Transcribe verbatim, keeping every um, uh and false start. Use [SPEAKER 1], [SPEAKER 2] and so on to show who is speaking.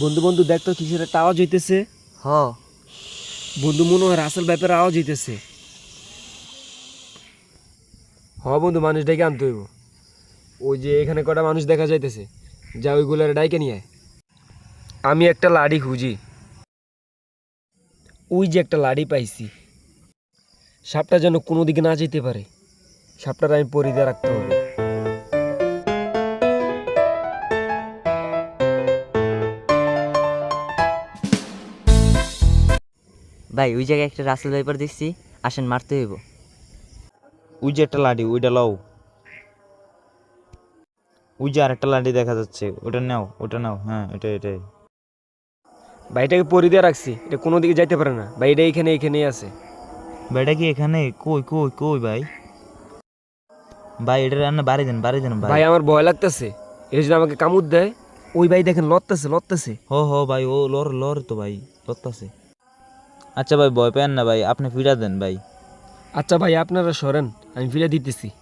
[SPEAKER 1] বন্ধু বন্ধু দেখ তো কিসের একটা আওয়াজ হইতেছে।
[SPEAKER 2] হ
[SPEAKER 1] বন্ধু মনে হয় রাসেল ব্যাপারে আওয়াজ হইতেছে। হ বন্ধু, মানুষ ডেকে আনতে হইব। ওই যে এখানে কটা মানুষ দেখা যাইতেছে, যা ওইগুলোর ডাইকে নিয়ে আয়। আমি একটা লাড়ি খুঁজি। ওই যে একটা লাড়ি পাইছি। সাপটা যেন কোনো দিকে না যেতে পারে, সাপটার আমি পরিধে রাখতে হবে।
[SPEAKER 2] ভাই, ওই জায়গায় একটা রাসেল ভাইপার দেখছি, আসেন মারতে হইব।
[SPEAKER 3] ওই যে একটা লাঠি, ওইটা লও। ওই যে আরেকটা লাঠি দেখা যাচ্ছে, ওটা নাও, ওটা নাও। হ্যাঁ, এটা এটাই।
[SPEAKER 1] ভাইটাকে পরিধে রাখছি, এটা কোনো দিকে যাইতে পারে না। ভাই এটা এখানে এখানেই আছে।
[SPEAKER 3] ভাইটা কি এখানে? কই কই কই ভাই? ভাই এটা রান্না বাড়ি দেন, বাড়ি দেন ভাই।
[SPEAKER 1] ভাই আমার ভয় লাগতেছে, এটা যদি আমাকে কামড় দেয়। ওই ভাই দেখেন লড়তেছে লড়তেছে।
[SPEAKER 3] হো হো ভাই, ও লর লর তো ভাই, লড়তাছে। আচ্ছা ভাই, ভয় পেন না ভাই, আপনি ফিরা দেন ভাই।
[SPEAKER 1] আচ্ছা ভাই আপনারা সরেন, আমি ফিরে দিতেছি।